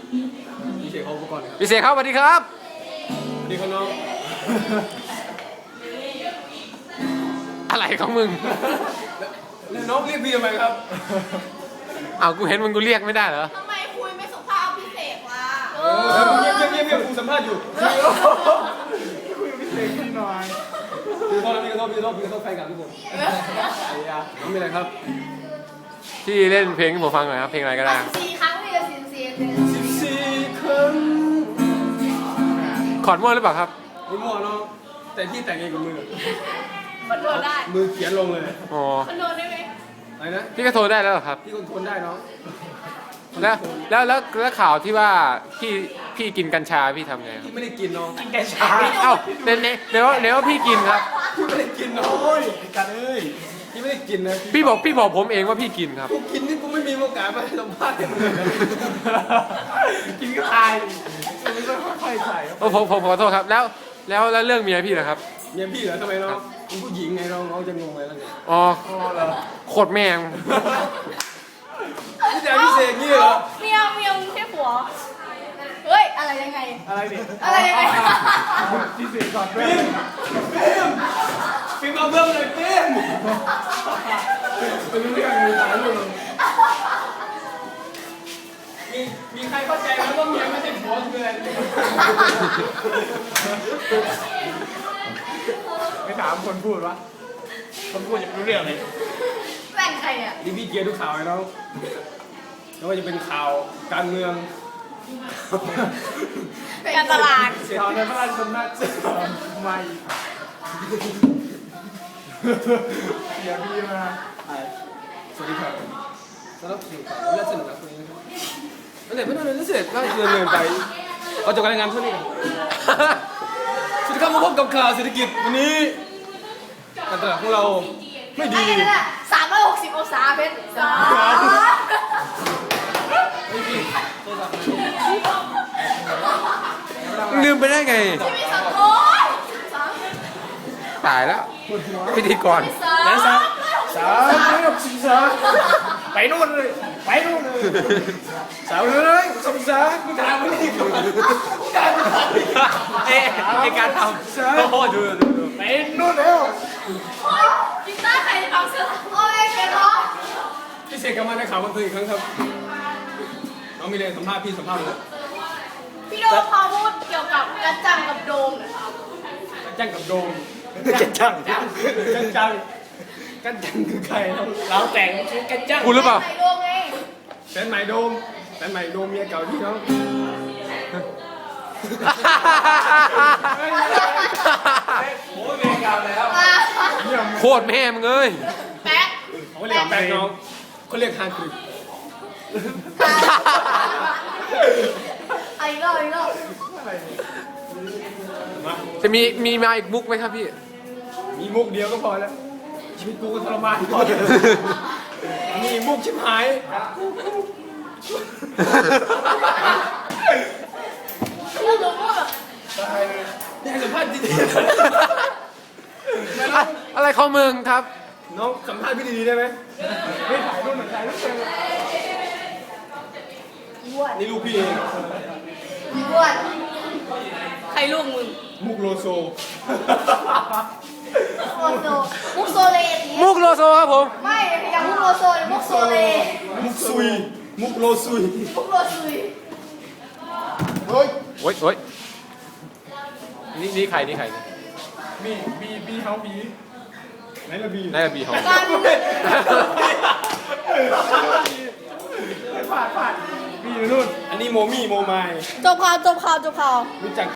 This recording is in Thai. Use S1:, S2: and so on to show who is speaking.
S1: พี่เสกเขาอุปกรณ์ครับ
S2: พี่เสกครับสวัสดีครับ
S1: สวัสดีครับน้อง
S2: อะไรของมึง
S1: แล้วน้องเรียกพี่ทำไมครับ
S2: อ้าวกูเห็นมึงกูเรียกไม่ได้เหรอ
S3: ทำไมคุยไม่สุภาพพิเศษล่ะ
S1: เงียบกูสัมภาษณ์อยู่คุยกับพี่เสกพี่หน่อยพี่ขอโทษพี่ขอโทษแฟนกับทุกคนไอ้ยาไม่เป็นไรครับ
S2: ที่เล่นเพลงให้ผมฟังหน่อยครับเพลงอะไรก็ได้
S3: 14 ครั้งพี่จะ14เลย
S1: 14 ครั้ง
S2: ขอดมั่วหรือเปล่าครับ
S1: นี่มั่วน้องแต่พี่แต่งเองกับมือ
S3: คนโดนได้
S1: มือเขียนลงเลย
S2: อ๋อ
S3: คนโดนได้ไหม
S1: อะไรนะ
S2: พี่ก็โทรได้แล้วเหรอครับ
S1: พี่คนทนได้น้อง
S2: แล้วข่าวที่ว่าพี่กินกัญชาพี่ทำไงครับ
S1: พี่ไม่ได้กินน้องกินแกชา
S2: เอ้าเดี๋ยวพี่กินครับ
S1: พี่ไม่ได้กินน้อยกันเอ้ยพี่ไม่ได้กินนะ
S2: พี่บอกผมเองว่าพี่กินครับ
S1: กูกินนี่กูไม่มีโอกาสมาให้สัมภาษณ์เลยกินก็ตายไม่ต้องค่อยๆใส่
S2: โอ้ผมขอโทษครับแล้วเรื่องเมียพี่นะครับ
S1: เมียพี่เหรอทำไมน้องมึงผู้หญิงไงน้องจะงงอะไรแล้วไง
S2: อ๋อโคตรแม่ง
S1: พี่แจ๊คพี่เสกนี่เหรอ
S3: เมียมึงใช่ผัวเฮ้ยอะไรยังไง
S1: อะไรเนี่ย
S3: อะไรยังไง
S1: พี่เสกก่อนเพิ่มฟิล์มเอาเพิ่มเลยฟิล์มเป็นเรื่องมีสายอยู่มีใครเข้าใจไหมว่าเมียไม่ใช่ผัวคืออะไร
S4: ไม่ถามคนพูดวะคนพูดยังไม่รู้เรื่องเลย
S3: แบ่งใครอ่ะ
S1: นี่พี่เกียร์ทุกข่าวเลยน้องไม่ว่าจะเป็นข่าวการเมือง
S3: การตลาด
S4: ข่าวในพระราชสำนักไม่เดี๋ยวพี่มา
S1: สวัสดีครับสำหรับข่าวและสนุกครับคนนี้นะครับนั่นแหละไม่ต้องเลยนั่นเสร็จก็เงินไปเอาจบการรายงานเท่านี้กันสวัสดีครับมาพบกับข่าวเศรษฐกิจวันนี้การตลาดของเราไม่ดี
S3: อะไรกันอ่ะ360 องศาเพชรสาม
S2: ลืมไปได้ไง
S3: ชีวิตสังคมสาม
S2: ตายแล้วพิธีกร
S3: สาม
S4: ไปนู่นเลยไปนู่นเลย
S1: สาวเลยสมศากูถามไม่ได้ก่อน
S2: เอ๊ะในการทำโอ้โหดู
S4: ไปนู่นแล้ว
S3: โอ๊ยกีตาร์ใครจะฟังเสื้อโอ้ยเกลียดร้อน
S1: พี่เสกกลับมาในข่าวบันเทิงอีกครั้งครับน้องมีอะไรสัมภาษณ์พี่สัมภาษณ์เลย
S3: พี่โดมพอพูดเกี่ยวกับกระจังกับโดมนะครับ
S1: กันจังกับโดม
S4: กันจัง
S1: กันจังกันจังคือใครน้อง
S4: เราแต่งกันจัง
S2: กูหรือเปล่า
S3: ใส่โดมไง
S1: แฟนใหม่โดมแฟนใหม่โดมเมียเก่าที่น้อง
S4: โอ้ยเวรกรรมแล้ว
S2: โคตรแม่มึงเอ้ย
S3: แป๊ะ
S1: เขาเรียกแฟนน้องเขาเรียกฮาร์ดกริป
S3: อีกรอบ
S1: มา
S2: จะมีมาอีกมุกไหมครับพี่
S1: มีมุกเดียวก็พอแล้วชีวิตกูก็ทรมานพอแล้วมีมุกชิบหาย
S3: เรื่องโดมพูดแบบ
S1: อยากสัมภาษณ์ดี
S2: อะไรของมึงครับ
S1: ๆน้องสัมภาษณ์พี่ดีๆได้ไหม
S4: ไม่ถ่ายรูปเหมือนถ่ายรูปเต็ม
S3: อ้วน
S1: นี่ลูกพี่เอง
S3: อ้วนใครลูกมึง
S1: มุกโลโซ
S3: โลโซมุกโซเลดิ
S2: มุกโลโซครับผม
S3: ไม่อย่างมุกโลโซหรือมุกโซเล
S1: มุกซุยมุกโลซุย
S3: มุกโลซุย
S2: โอ้ยนี่ใคร
S4: บีเขาบี
S1: ไหนละบี
S2: น่าจะบีของ
S3: การ
S4: ผ่านบีอยู่นู่น
S1: อันนี้โมมี่โมไมาย
S3: จบข่าว
S1: รู้จัก